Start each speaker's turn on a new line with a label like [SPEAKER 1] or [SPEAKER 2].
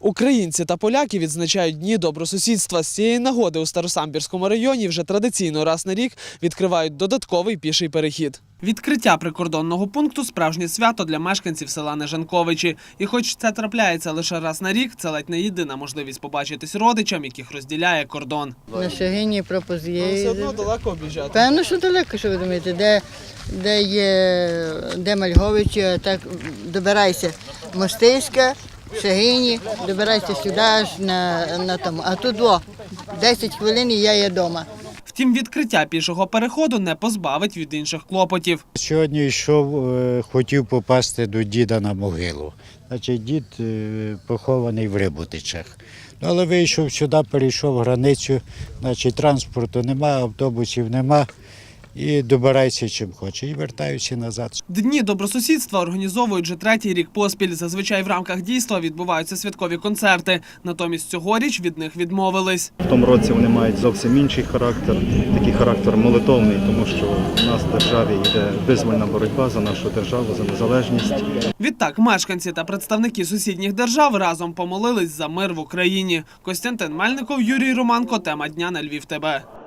[SPEAKER 1] Українці та поляки відзначають Дні добросусідства. З цієї нагоди у Старосамбірському районі вже традиційно раз на рік відкривають додатковий піший перехід. Відкриття прикордонного пункту – справжнє свято для мешканців села Нежанковичі. І хоч це трапляється лише раз на рік, це ледь не єдина можливість побачитись родичам, яких розділяє кордон.
[SPEAKER 2] На Шагині пропозиції.
[SPEAKER 1] Все одно далеко об'їжджати.
[SPEAKER 2] Певно, що далеко, що ви думаєте, де Мальговичі, так добирайся Мостиська, Шагині, добирайся сюди аж на тому. А тут 10 хвилин і я є вдома.
[SPEAKER 1] Втім, відкриття пішого переходу не позбавить від інших клопотів.
[SPEAKER 3] Сьогодні йшов, хотів попасти до діда на могилу. Значить, дід похований в Рибутичах. Але вийшов сюди, перейшов границю, значить, транспорту немає, автобусів немає. І добирайся чим хоче, і вертаюся назад.
[SPEAKER 1] Дні добросусідства організовують вже третій рік поспіль. Зазвичай в рамках дійства відбуваються святкові концерти. Натомість цьогоріч від них відмовились.
[SPEAKER 4] В тому році вони мають зовсім інший характер, такий характер молитовний, тому що в нас в державі йде визвольна боротьба за нашу державу, за незалежність.
[SPEAKER 1] Відтак, мешканці та представники сусідніх держав разом помолились за мир в Україні. Костянтин Мельников, Юрій Романко. Тема дня на Львів ТБ.